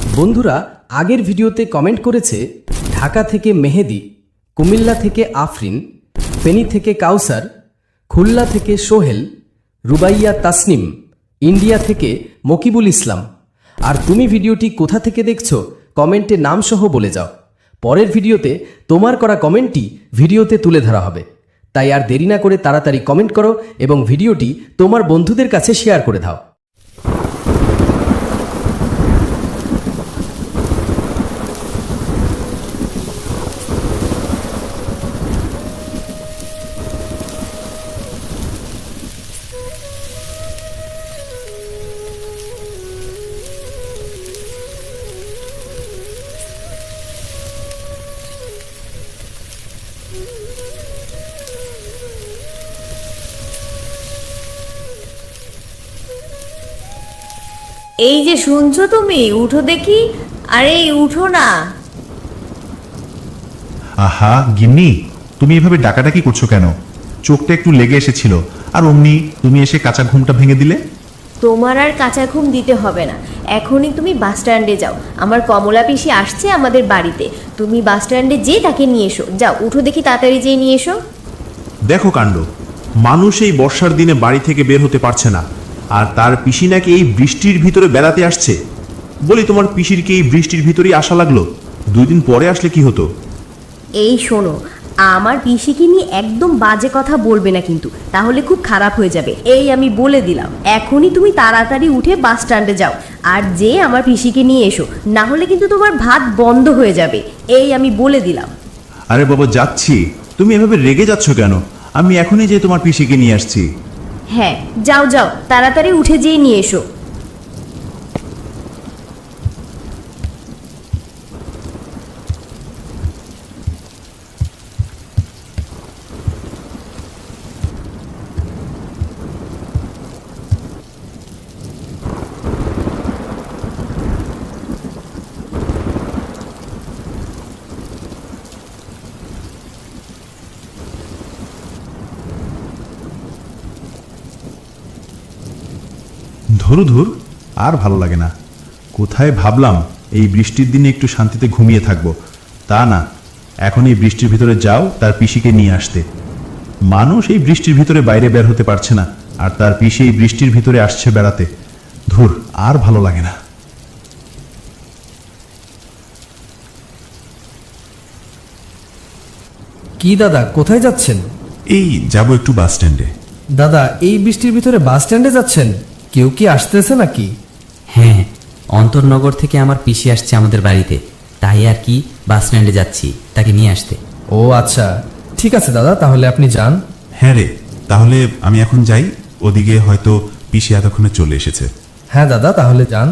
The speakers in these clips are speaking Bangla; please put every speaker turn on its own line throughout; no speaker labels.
বন্ধুরা আগের ভিডিওতে কমেন্ট করেছে ঢাকা থেকে মেহেদি, কুমিল্লা থেকে আফরিন, ফেনী থেকে কাউসার, খুলনা থেকে সোহেল, রুবাইয়া তাসনিম, ইন্ডিয়া থেকে মকিবুল ইসলাম। আর তুমি ভিডিওটি কোথা থেকে দেখছো কমেন্টে নাম সহ বলে যাও। পরের ভিডিওতে তোমার করা কমেন্টটি ভিডিওতে তুলে ধরা হবে। তাই আর দেরি না করে তাড়াতাড়ি কমেন্ট করো এবং ভিডিওটি তোমার বন্ধুদের কাছে শেয়ার করে দাও।
এই যে শুনছো তুমি, উঠো দেখি। আরে উঠো না।
আহা গিন্নি, তুমি এভাবে ডাকাডাকি করছো কেন? চোখটা একটু লেগে এসেছিল, আর অমনি তুমি এসে কাঁচা ঘুমটা ভেঙে দিলে।
তোমার আর কাঁচা ঘুম দিতে হবে না, এখনই তুমি বাস স্ট্যান্ডে যাও। আমার কমলা পিসি আসছে আমাদের বাড়িতে, তুমি বাস স্ট্যান্ডে যেয়ে তাকে নিয়ে এসো। যাও উঠো দেখি, তাড়াতাড়ি যেয়ে নিয়ে এসো।
দেখো কাণ্ড, মানুষ এই বর্ষার দিনে বাড়ি থেকে বের হতে পারছে না, আর তার পিসি নাকি এই বৃষ্টির ভিতরে বেড়াতে আসছে। বলি, তোমার পিসির কি এই বৃষ্টির ভিতরেই আসা লাগলো? 2 দিন পরে আসলে কি হতো?
এই শোনো, আমার পিসিকে নিয়ে একদম বাজে কথা বলবে না কিন্তু, তাহলে খুব খারাপ হয়ে যাবে। এই আমি বলে দিলাম, এখনই তুমি তাড়াতাড়ি উঠে বাস স্ট্যান্ডে যাও আর যে আমার পিসিকে নিয়ে এসো, না হলে কিন্তু তোমার ভাত বন্ধ হয়ে যাবে। এই আমি বলে দিলাম।
আরে বাবা, যাচ্ছি। তুমি এভাবে রেগে যাচ্ছ কেন? আমি এখনই যে তোমার পিসিকে নিয়ে আসছি।
হ্যাঁ যাও যাও, তাড়াতাড়ি উঠে যেয়ে নিয়ে এসো।
ধুর, আর ভালো লাগে না। কোথায় ভাবলাম এই বৃষ্টির দিনে একটু শান্তিতে ঘুমিয়ে থাকবো, তা না, এখন এই বৃষ্টির ভিতরে যাও তার পিসিকে নিয়ে আসতে। মানুষ এই বৃষ্টির ভিতরে বাইরে বের হতে পারছে না, আর তার পিসি এই বৃষ্টির ভিতরে আসছে বেড়াতে। ধুর, আর ভালো লাগে না।
কি দাদা, কোথায় যাচ্ছেন?
এই যাব একটু বাস স্ট্যান্ডে।
দাদা, এই বৃষ্টির ভিতরে বাস স্ট্যান্ডে যাচ্ছেন? কেউ কি আসতেছে নাকি?
হ্যাঁ, অন্তরনগর থেকে আমার পিসি আসছে আমাদের বাড়িতে, তাই আর কি বাস স্ট্যান্ডে যাচ্ছি তাকে নিয়ে আসতে।
ও আচ্ছা, ঠিক আছে দাদা, তাহলে আপনি যান।
হ্যাঁ রে, তাহলে আমি এখন যাই। ওদিকে হয়তো পিসি এতক্ষণে চলে এসেছে।
হ্যাঁ দাদা, তাহলে যান।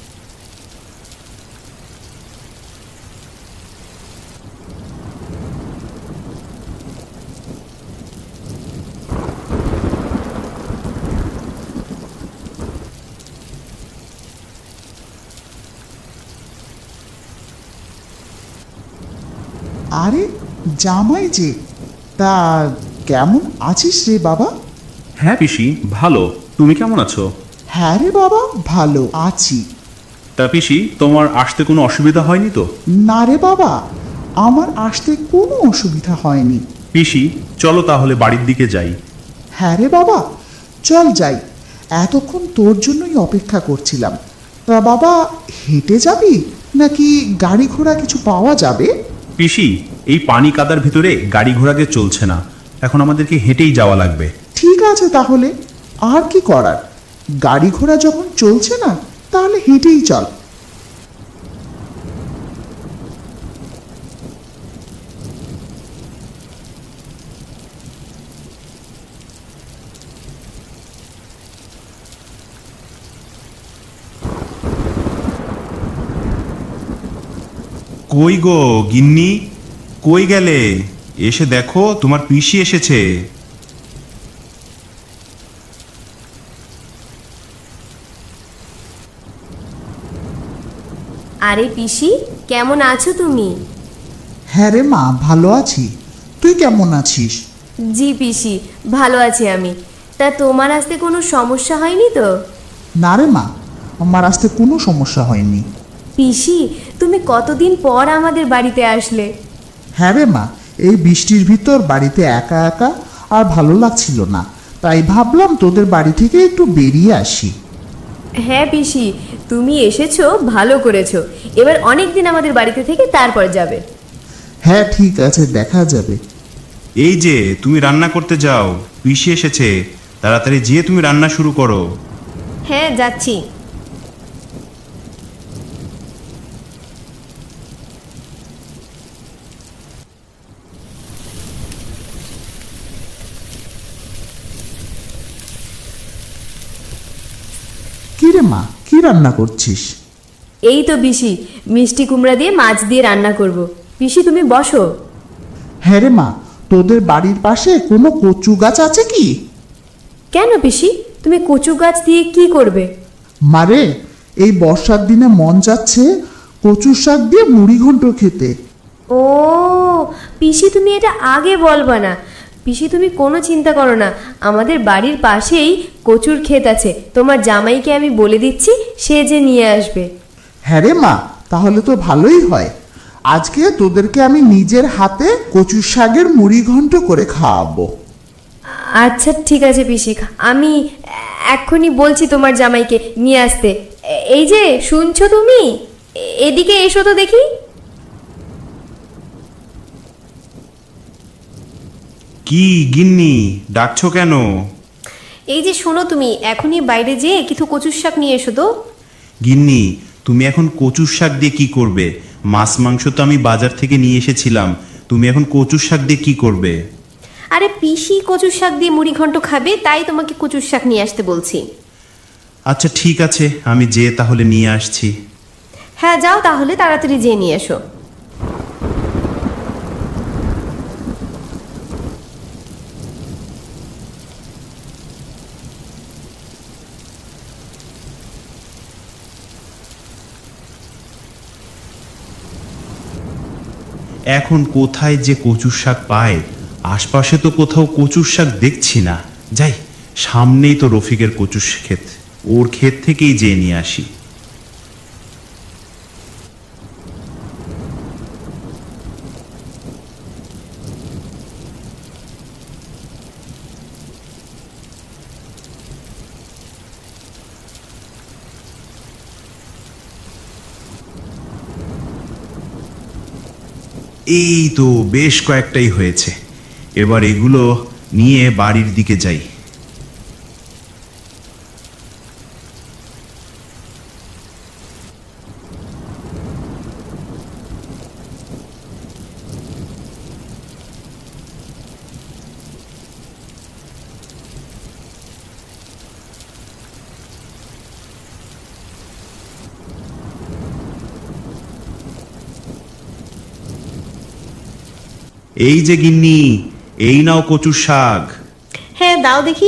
আরে জামাই যে, তা কেমন আছিস রে বাবা?
হ্যাঁ পিসি, ভালো। তুমি কেমন আছো?
হ্যাঁ রে বাবা, ভালো আছি।
তা পিসি, তোমার আসতে কোনো অসুবিধা হয়নি তো?
না রে বাবা, আমার আসতে কোনো অসুবিধা হয়নি।
পিসি, চলো তাহলে বাড়ির দিকে যাই।
হ্যাঁ রে বাবা, চল যাই। এতক্ষণ তোর জন্যই অপেক্ষা করছিলাম। তা বাবা, হেঁটে যাবি নাকি গাড়ি ঘোড়া কিছু পাওয়া যাবে?
পিসি, এই পানি কাদার ভিতরে গাড়ি ঘোড়াকে চলছে না, এখন আমাদেরকে হেঁটেই যাওয়া লাগবে।
ঠিক আছে তাহলে, আর কি করার, গাড়ি ঘোড়া যখন চলছে না তাহলে হেঁটেই চল।
কই গো গিন্নি, কই গেলে? এসে দেখো, তোমার পিসি এসেছে।
আরে পিসি, কেমন আছো তুমি?
হ্যাঁ রে মা, ভালো আছি। তুই কেমন আছিস?
জি পিসি, ভালো আছি আমি। তা তোমার আসতে কোনো সমস্যা হয়নি তো?
না রে মা, আমার আসতে কোনো সমস্যা হয়নি।
পিসি, তুমি কতদিন পর আমাদের বাড়িতে আসলে?
হ্যাঁ রে মা, এই বৃষ্টির ভিতর বাড়িতে একা একা আর ভালো লাগছিল না, তাই ভাবলাম তোদের বাড়ি থেকে একটু বেরিয়ে আসি।
হ্যাঁ পিসি, তুমি এসেছো, ভালো করেছো। এবার অনেক দিন আমাদের বাড়িতে থেকে তারপর যাবে।
হ্যাঁ ঠিক আছে, দেখা যাবে।
এই যে তুমি রান্না করতে যাও, পিসি এসেছে, তাড়াতাড়ি যেয়ে তুমি রান্না শুরু করো।
হ্যাঁ যাচ্ছি।
কি রে মা, কি রান্না করছিস?
এই তো পিসি, মিষ্টি কুমড়া দিয়ে মাছ দিয়ে রান্না করব। পিসি তুমি বসো।
হ্যাঁ রে মা, তোদের বাড়ির পাশে কোনো কচু গাছ আছে কি?
কেন পিসি, তুমি কচু গাছ দিয়ে কি করবে?
মারে, এই বর্ষার দিনে মন যাচ্ছে কচুর শাক দিয়ে মুড়ি ঘন্ট খেতে।
ও পিসি, তুমি এটা আগে বলবা না। পিসি তুমি কোনো চিন্তা করো না, আমাদের বাড়ির পাশেই কচুর ক্ষেত আছে। তোমার জামাইকে আমি বলে দিচ্ছি, সে যে নিয়ে আসবে।
হ্যাঁ রে মা, তাহলে তো ভালোই হয়। আজকে তোদেরকে আমি নিজের হাতে কচুর শাকের মুড়ি ঘন্ট করে খাওয়াবো।
আচ্ছা ঠিক আছে পিসি, আমি এক্ষুনি বলছি তোমার জামাইকে নিয়ে আসতে। এই যে শুনছো তুমি, এদিকে এসো তো দেখি।
কি গিন্নি, ডাকছো কেন?
এই যে শোনো, তুমি এখনই বাইরে যেয়ে কিছু কচুর শাক নিয়ে এসো তো।
গিন্নি, তুমি এখন কচুর শাক দিয়ে কি করবে? মাছ মাংস তো আমি বাজার থেকে নিয়ে এসেছিলাম, তুমি এখন কচুর শাক দিয়ে কি করবে?
আরে পিসি কচুর শাক দিয়ে মুড়ি ঘন্ট খাবে, তাই তোমাকে কচুর শাক নিয়ে আসতে বলছি।
আচ্ছা ঠিক আছে, আমি যেয়ে তাহলে নিয়ে আসছি।
হ্যাঁ যাও তাহলে, তাড়াতাড়ি যেয়ে নিয়ে এসো।
এখন কোথায় যে কচুর শাক পায়? আশপাশে তো কোথাও কচুর শাক দেখছি না। যাই, সামনেই তো রফিকের কচুর ক্ষেত, ওর ক্ষেত থেকেই যেয়ে নিয়ে আসি। এই তো বেশ কয়েকটাই হয়েছে, এবার এগুলো নিয়ে বাড়ির দিকে যাই। এই যে গিন্নি, এই নাও কচুর শাক।
হ্যাঁ দাও দেখি।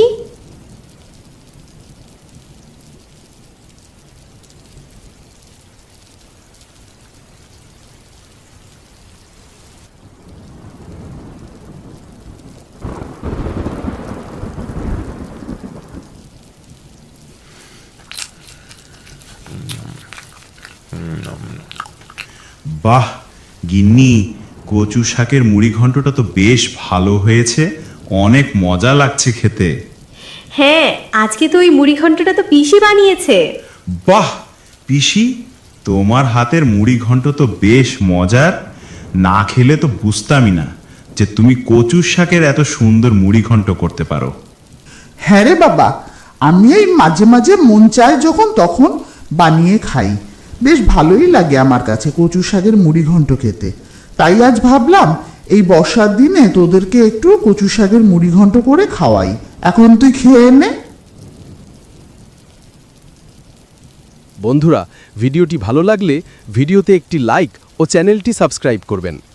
বাহ গিন্নি, কচু শাকের মুড়ি ঘন্টটা তো বেশ ভালো হয়েছে, অনেক মজা লাগছে খেতে।
হ্যাঁ, আজকে তো ওই মুড়ি ঘন্টটা তো পিসি বানিয়েছে।
বাহ পিসি, তোমার হাতের মুড়ি ঘন্ট তো বেশ মজার। না খেলে তো বুঝতামই না যে তুমি কচু শাকের এত সুন্দর মুড়ি ঘন্ট করতে পারো।
হ্যাঁ রে বাবা, আমি এই মাঝে মাঝে মন চায় যখন তখন বানিয়ে খাই। বেশ ভালোই লাগে আমার কাছে কচু শাকের মুড়ি ঘন্ট খেতে। তাই আজ ভাবলাম এই বর্ষার দিনে তোদেরকে একটু কচু শাকের মুড়ি ঘন্ট করে খাওয়াই। এখন তুই খেয়ে নে।
বন্ধুরা, ভিডিওটি ভালো লাগলে ভিডিওতে একটি লাইক ও চ্যানেলটি সাবস্ক্রাইব করবেন।